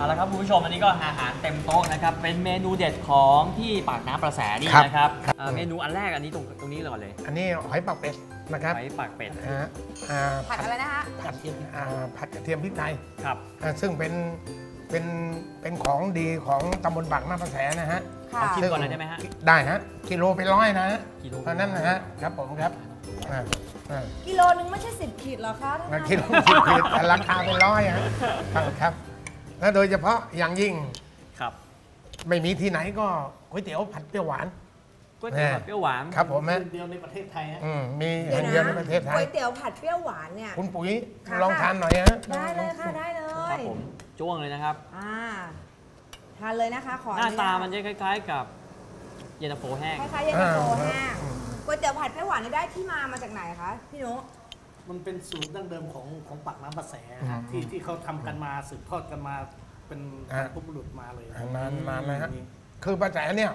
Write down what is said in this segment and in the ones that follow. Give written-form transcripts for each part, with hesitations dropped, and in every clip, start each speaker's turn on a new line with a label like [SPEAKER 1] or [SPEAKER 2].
[SPEAKER 1] เอาละครับคุณผู้ชมอันนี้ก็อาหารเต็มโต๊ะนะครับเป็นเมนูเด็ดของที่ปากน้ำประแสนี่นะครับเมนูอันแรกอันนี้ตรงนี้ก่อนเลย
[SPEAKER 2] อันนี้หอยปากเป็ดนะครับ
[SPEAKER 1] หอยปากเป็ด
[SPEAKER 3] ผัดอะไรนะคะ
[SPEAKER 2] ผัดกระเทียมพริกไทย
[SPEAKER 1] ครับ
[SPEAKER 2] ซึ่งเป็นของดีของตำบลปากน้ำประแสนะฮะ
[SPEAKER 1] กินก่อนเลยได้ไหมฮะ
[SPEAKER 2] ได้ฮะกิโลเป็น100นะฮะเพราะนั้นนะฮะครับผมครับ
[SPEAKER 3] กิโลนึงไม่ใช่10 ขีดหรอคะ
[SPEAKER 2] กิโล10 ขีดแต่ราคาเป็น100ฮะครับและโดยเฉพาะอย่างยิ่ง
[SPEAKER 1] ครับ
[SPEAKER 2] ไม่มีที่ไหนก็ก๋วยเตี๋ยวผัดเปรี้ยวหวาน
[SPEAKER 1] ก๋วยเตี๋ยวผัดเปรี้ยวหวาน
[SPEAKER 2] ครับผม
[SPEAKER 4] เดียวในประเทศไทยฮะ
[SPEAKER 2] มีแห่งเดียวในประเทศไทย
[SPEAKER 3] ก๋วยเตี๋ยวผัดเปรี้ยวหวานเนี่ย
[SPEAKER 2] คุณปุ๋ยลองทานหน่อยฮะ
[SPEAKER 3] ได้เลยค่ะได้เลย
[SPEAKER 1] ครับผมจ้วงเลยนะครับ
[SPEAKER 3] ทานเลยนะคะขอ
[SPEAKER 1] หน้าตามันจะคล้ายๆกับเย็นตาโฟแห้ง
[SPEAKER 3] คล้ายๆเย็นตาโฟแห้งก๋วยเตี๋ยวผัดเปรี้ยวหวานนี่ได้ที่มาจากไหนคะพี่นุ๊ก
[SPEAKER 4] มันเป็นสูตรดั้งเดิมของปากน้ำประแสที่เขาทำกันมาสืบทอดกันมาเป็นผู้บุรุษมาเลย
[SPEAKER 2] นานนะฮะคือประแสเนี่ย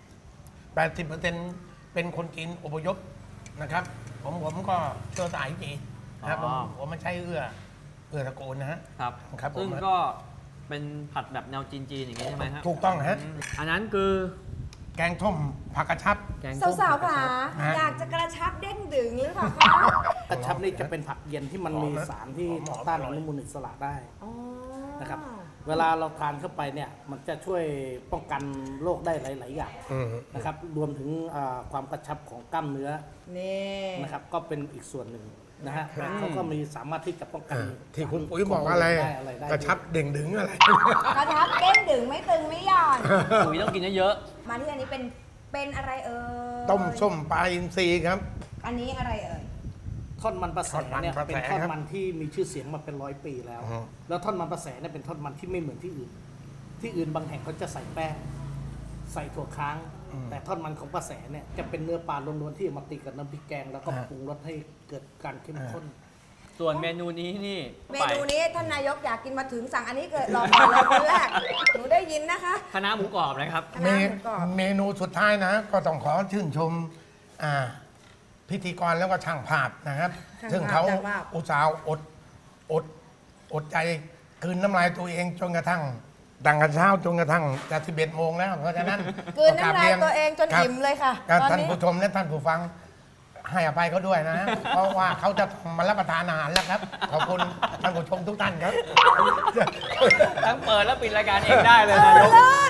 [SPEAKER 2] 80%เป็นคนจีนอพยพนะครับผมก็เชื้อสายจีนนะครับผมไม่ใช่เอื้อตระกูลนะฮะ
[SPEAKER 1] ครับซึ่งก็เป็นผัดแบบแนวจีนอย่างนี้ใช่ไหมฮะ
[SPEAKER 2] ถูกต้องฮะ
[SPEAKER 1] อันนั้นคือ
[SPEAKER 2] แกงส้มผักกระชับ
[SPEAKER 3] สาวๆค่ะอยากจะกระชับเด้งดึงหรือเปล่าคะ
[SPEAKER 4] กระชับนี่จะเป็นผักเย็นที่มันมีสารที่ต้านอนุมูลอิสระได้นะครับเวลาเราทานเข้าไปเนี่ยมันจะช่วยป้องกันโรคได้หลายๆอย่างนะครับรวมถึงความกระชับของกล้ามเนื้อนะครับก็เป็นอีกส่วนหนึ่งนะฮะเขาก็มีสามารถที่จะป้องกัน
[SPEAKER 2] ที่คุณปุ๋ยบอกอะไรกระชับเด้งดึงอะไร
[SPEAKER 3] กระชับเด้งดึงไม่ตึงไม่หย่อน
[SPEAKER 1] ปุ๋ยต้องกินเยอะ
[SPEAKER 3] ๆมาที่อันนี้เป็นอะไร
[SPEAKER 2] ต้มส้มปลาอินทรีย์ครับ
[SPEAKER 3] อันนี้อะไร
[SPEAKER 4] ท่อนมันประแสเนี่ยเป็นท่อนมันที่มีชื่อเสียงมาเป็น100 ปีแล้วแล้วท่อนมันประแสเนี่ยเป็นท่อนมันที่ไม่เหมือนที่อื่นบางแห่งเขาจะใส่แป้งใส่ถั่วค้างแต่ท่อนมันของประแสเนี่ยจะเป็นเนื้อปลาล้วนๆที่มาตีกับน้ำพริกแกงแล้วก็ปรุงรสให้เกิดการเข้มข้น
[SPEAKER 1] ส่วนเมนูนี้นี่
[SPEAKER 3] เมนูนี้ท่านนายกอยากกินมาถึงสั่งอันนี้เกิดรอมาเลยคนแรกหนูได้ยินนะคะ
[SPEAKER 1] คณะหมูกรอบนะครับ
[SPEAKER 2] เมนูสุดท้ายนะก็ต้องขอชื่นชมพิธีกรแล้วก็ช่างภาพนะครับซึ่งเขาอุตส่าห์อดใจคืนน้ำลายตัวเองจนกระทั่งดังกันเช้าจนกระทั่งจะ11 โมงแล้วเพราะฉะนั้น
[SPEAKER 3] คืนน้ำลายตัวเองจนอิ่มเลยค่ะ
[SPEAKER 2] ท่านผู้ชมและท่านผู้ฟังให้อภัยเขาด้วยนะเพราะว่าเขาจะมารับประทานอาหารแล้วครับขอบคุณท่านผู้ชมทุกท่านครับ
[SPEAKER 1] ทั้งเปิดและปิดรายการเองได้เลยนายก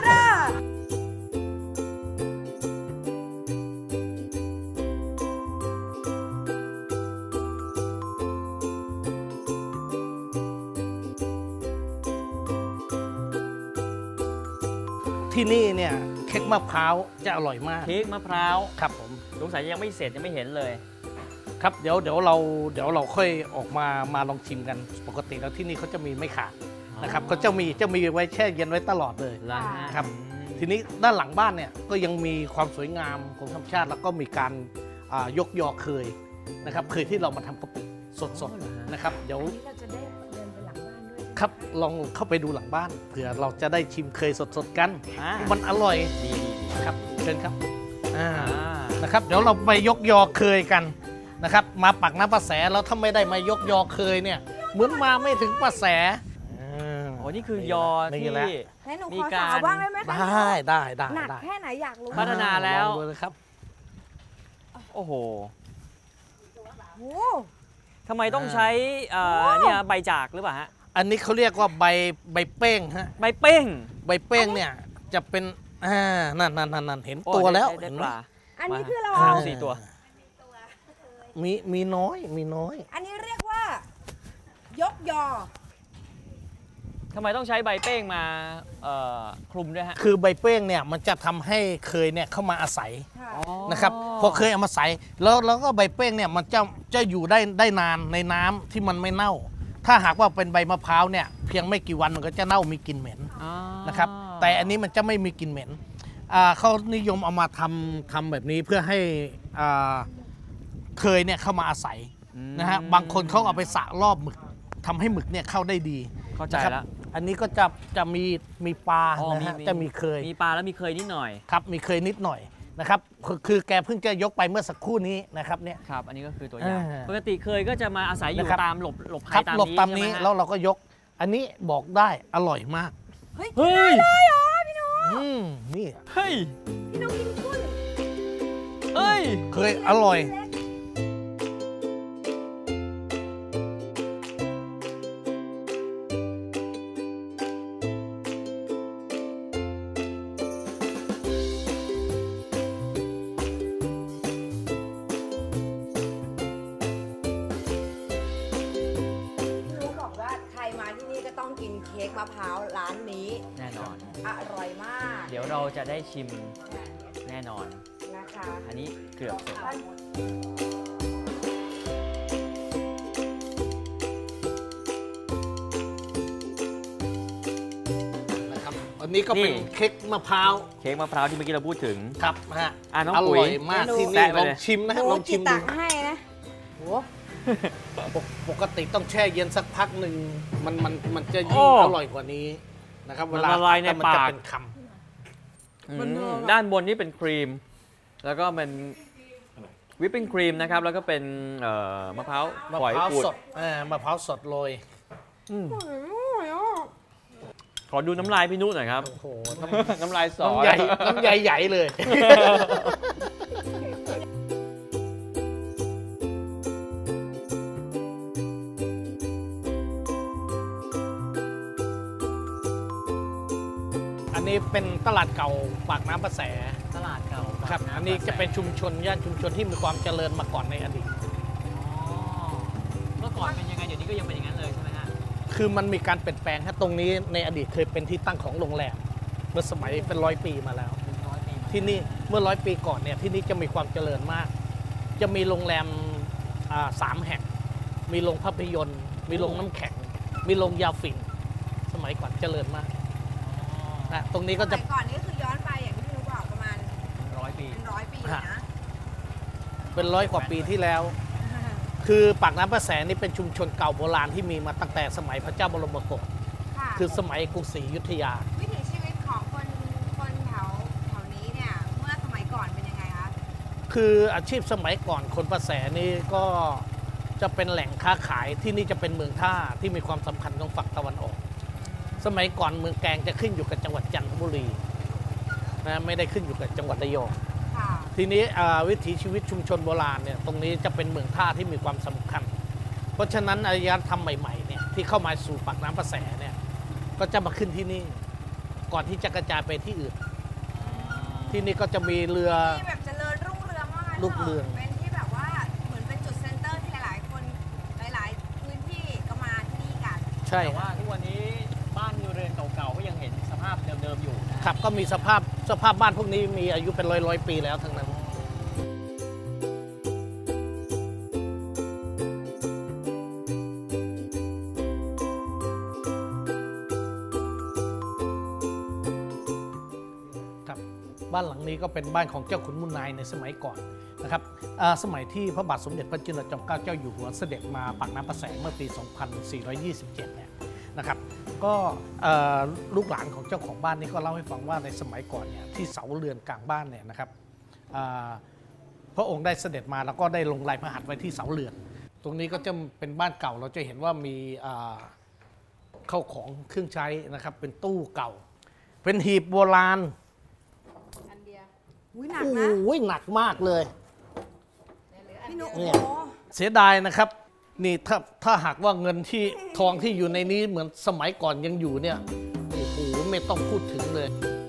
[SPEAKER 4] ที่นี่เนี่ยเค้กมะพร้าวจะอร่อยมาก
[SPEAKER 1] เค้กมะพร้าว
[SPEAKER 4] ครับผม
[SPEAKER 1] สงสัยยังไม่เสร็จยังไม่เห็นเลย
[SPEAKER 4] ครับเดี๋ยวเราค่อยออกมาลองชิมกันปกติแล้วที่นี่เขาจะมีไม่ขาดนะครับเขาจะมีไว้แช่เย็นไว้ตลอดเลยครับทีนี้ด้านหลังบ้านเนี่ยก็ยังมีความสวยงามของธรรมชาติแล้วก็มีการยกยอเคยนะครับเคยที่เรามาทำกะปิสดๆนะครับเดี๋ยวครับลองเข้าไปดูหลังบ้านเผื่อเราจะได้ชิมเคยสดๆกันมันอร่อยดีครับเชิญครับนะครับเดี๋ยวเราไปยกยอเคยกันนะครับมาปากน้ำประแสแล้วถ้าไม่ได้มายกยอเคยเนี่ยเหมือนมาไม่ถึงประแส
[SPEAKER 1] โอ้นี่คือยอที่
[SPEAKER 3] มีการบ้างได้ไหม
[SPEAKER 4] ได้
[SPEAKER 3] หนักแค่ไหนอยากรู้
[SPEAKER 1] พัฒนาแล้ว
[SPEAKER 4] ครับ
[SPEAKER 1] โอ้โหทำไมต้องใช้เนี่ยใบจากหรือเปล่าฮะ
[SPEAKER 4] อันนี้เขาเรียกว่าใบเป้งฮะ
[SPEAKER 1] ใบเป้ง
[SPEAKER 4] เนี่ยจะเป็นนั่นเห็นตัวแล้ว
[SPEAKER 1] เห็นปลา
[SPEAKER 3] อันนี้คือเรา
[SPEAKER 1] 4 ตัว
[SPEAKER 4] มีน้อย
[SPEAKER 3] อันนี้เรียกว่ายกยอ
[SPEAKER 1] ทำไมต้องใช้ใบเป้งมาคลุมด้วยฮะ
[SPEAKER 4] คือใบเป้งเนี่ยมันจะทำให้เคยเนี่ยเข้ามาอาศัยนะครับพอเคยเอามาใส่แล้วก็ใบเป้งเนี่ยมันจะอยู่ได้นานในน้ำที่มันไม่เน่าถ้าหากว่าเป็นใบมะพร้าวเนี่ยเพียงไม่กี่วันมันก็จะเน่ามีกลิ่นเหม็นนะครับแต่อันนี้มันจะไม่มีกลิ่นเหม็นเขานิยมเอามาทำแบบนี้เพื่อให้เคยเนี่ยเข้ามาอาศัยนะฮะบางคนเขาเอาไปสระรอบหมึกทำให้หมึกเนี่ยเข้าได้ดี
[SPEAKER 1] เข้าใจแล้ว
[SPEAKER 4] อันนี้ก็จะมีปลานะฮะจะมีเคย
[SPEAKER 1] มีปลาแล้วมีเคยนิดหน่อย
[SPEAKER 4] ครับมีเคยนิดหน่อยนะครับคือแกเพิ่งจะยกไปเมื่อสักครู่นี้นะครับเนี่ย
[SPEAKER 1] ครับอันนี้ก็คือตัวอย่างปกติเคยก็จะมาอาศัยอยู่ตามหลบภัยตาม
[SPEAKER 4] นี้แล้วเราก็ยกอันนี้บอกได้อร่อยมาก
[SPEAKER 3] เฮ้ย
[SPEAKER 1] เฮ้ย
[SPEAKER 3] ได้เหรอพี่นุ๊ก
[SPEAKER 4] นี่
[SPEAKER 1] เฮ้ย
[SPEAKER 3] พี่นุ๊กกินกุ้ง
[SPEAKER 1] เฮ้ย
[SPEAKER 4] เคยอร่อย
[SPEAKER 3] พี่นุ๊กบอกว่าใครมาที่นี่ก็ต้องกินเค้กมะพร้าวร้านนี้
[SPEAKER 1] แน่นอน
[SPEAKER 3] อร่อยมาก
[SPEAKER 1] เดี๋ยวเราจะได้ชิมแน่นอน
[SPEAKER 3] นะคะ
[SPEAKER 1] อันนี้เกือบเสร็จ
[SPEAKER 4] นะครับอันนี้ก็เป็น
[SPEAKER 1] นี่
[SPEAKER 4] เค้กมะพร้าว
[SPEAKER 1] เค้กมะพร้าวที่เมื่อกี้เราพูดถึง
[SPEAKER 4] ครับฮะ
[SPEAKER 1] น้อง
[SPEAKER 4] อ
[SPEAKER 1] ปุ๋
[SPEAKER 4] ร่
[SPEAKER 1] ย
[SPEAKER 4] อยมากที่
[SPEAKER 1] แตะ
[SPEAKER 4] นี่
[SPEAKER 1] ไป
[SPEAKER 4] ลอง
[SPEAKER 1] เลย
[SPEAKER 4] ชิมนะฮะลองชิม
[SPEAKER 3] ตั
[SPEAKER 4] ดู
[SPEAKER 3] กให้นะโห
[SPEAKER 4] ปกติต้องแช่เย็นสักพักหนึ่งมันจะ
[SPEAKER 1] โอ้
[SPEAKER 4] ยิ่งอร่อยกว่านี้นะครับ
[SPEAKER 1] มัน
[SPEAKER 4] เวลา
[SPEAKER 1] ละลายใน
[SPEAKER 4] มัจะ
[SPEAKER 1] ปาก
[SPEAKER 4] เป็นค
[SPEAKER 1] ด้านบนนี่เป็นครีม แล้วก็เป็นวิปปิ้งครีมนะครับ แล้วก็เป็นมะพร้าว
[SPEAKER 4] ำมะ
[SPEAKER 1] ฝอย
[SPEAKER 4] พร้าว
[SPEAKER 1] ขูด
[SPEAKER 4] สดมะพร้าวสดโรย
[SPEAKER 1] ขอดูน้ำลายพี่นุหน่อยครับ
[SPEAKER 4] โอ้โห
[SPEAKER 1] น้ำลายสอ
[SPEAKER 4] น้ำใหญ่เลย อันนี้เป็นตลาดเก่าปากน้ำประแส
[SPEAKER 1] ตลาดเก่า
[SPEAKER 4] ครับ อันนี้จะเป็นชุมชนย่านชุมชนที่มีความเจริญมาก่อนในอดีต
[SPEAKER 1] เมื่อก่อนเป็นยังไง เดี๋ยวนี้ก็ยังเป็นอย่างนั้นเลยใช่ไหมฮะ
[SPEAKER 4] คือมันมีการเปลี่ยนแปลงฮะตรงนี้ในอดีตเคยเป็นที่ตั้งของโรงแรม เมื่อสมัยเป็น100 ปีมาแล้ว
[SPEAKER 1] 100 ปี
[SPEAKER 4] ที่นี่เมื่อ100 ปีก่อนเนี่ยที่นี่จะมีความเจริญมาก จะมีโรงแรม3 แห่ง มีโรงภาพยนตร์ มีโรงน้ำแข็ง มีโรงยาฝิ่นสมัยก่อนเจริญมากนะตรงนี้ก็
[SPEAKER 3] ส
[SPEAKER 4] จะ
[SPEAKER 3] มัยก่อนนี่คือย้อนไปอย่างที่พี่นุ๊กบอกประมาณ
[SPEAKER 1] 100 ปี
[SPEAKER 3] เป็น100 ปีนะ
[SPEAKER 4] เป็น100 กว่าปีที่แล้ว คือปากน้ำประแสนี่เป็นชุมชนเก่าโบราณที่มีมาตั้งแต่สมัยพระเจ้าบรมโกศ
[SPEAKER 3] ค่ะ
[SPEAKER 4] คือสมัยกรุงศรีอยุธยา
[SPEAKER 3] วิถีชีวิตของคนแถวนี้เนี่ยเมื่อสมัยก่อนเป็นยังไงคะ
[SPEAKER 4] คืออาชีพสมัยก่อนคนประแสนี่ก็จะเป็นแหล่งค้าขายที่นี่จะเป็นเมืองท่าที่มีความสำคัญของฝั่งตะวันออก สมัยก่อนเมืองแกลงจะขึ้นอยู่กับจังหวัดจันทบุรีนะไม่ได้ขึ้นอยู่กับจังหวัดระยอง
[SPEAKER 3] ค่ะ
[SPEAKER 4] ทีนี้วิถีชีวิตชุมชนโบราณเนี่ยตรงนี้จะเป็นเมืองท่าที่มีความสำคัญ เพราะฉะนั้นอารยธรรมใหม่ๆเนี่ยที่เข้ามาสู่ปากน้ำประแสเนี่ยก็จะมาขึ้นที่นี่ก่อนที่จะกระจายไปที่อื่น ที่นี่ก็จะมีเรือ
[SPEAKER 3] ที่แบบเจริญรุ่งเรืองมาก
[SPEAKER 4] รุ่งเรือง
[SPEAKER 3] เป็นที่แบบว่าเหมือนเป็นจุดเซ็นเตอร์ที่หลายๆ คนหลายๆ พื้นที่ก็มาที่นี่กัน
[SPEAKER 4] ใช่
[SPEAKER 1] แต่ว่าทุกวันนี้บ้านเรือนเก่าๆ ก็ยังเห็นสภาพเดิมๆอยู่นะ
[SPEAKER 4] ครับก็มีสภาพบ้านพวกนี้มีอายุเป็นร้อยปีแล้วทั้งนั้น ครับบ้านหลังนี้ก็เป็นบ้านของเจ้าขุนมูลนายในสมัยก่อนนะครับสมัยที่พระบาทสมเด็จพระจุลจอมเกล้าเจ้าอยู่หัวเสด็จมาปากน้ำประแสเมื่อปี 2427 เนี่ยนะครับก็ลูกหลานของเจ้าของบ้านนี่ก็เล่าให้ฟังว่าในสมัยก่อนเนี่ยที่เสาเรือนกลางบ้านเนี่ยนะครับพระองค์ได้เสด็จมาแล้วก็ได้ลงลายพระหัตถ์ไว้ที่เสาเรือน ตรงนี้ก็จะเป็นบ้านเก่าเราจะเห็นว่ามีเข้าของเครื่องใช้นะครับเป็นตู้เก่า เป็นหีบโบราณ
[SPEAKER 3] อุ้ยหนัก
[SPEAKER 4] โอ้
[SPEAKER 3] นะ
[SPEAKER 4] โหหนักมากเลย
[SPEAKER 3] พี่นุ๊ก
[SPEAKER 4] เนี่
[SPEAKER 3] โอ้
[SPEAKER 4] ย
[SPEAKER 3] โห
[SPEAKER 4] เสียดายนะครับนี่ถ้าหากว่าเงินที่ทองที่อยู่ในนี้เหมือนสมัยก่อนยังอยู่เนี่ยโอ้โหไม่ต้องพูดถึงเลย
[SPEAKER 3] พ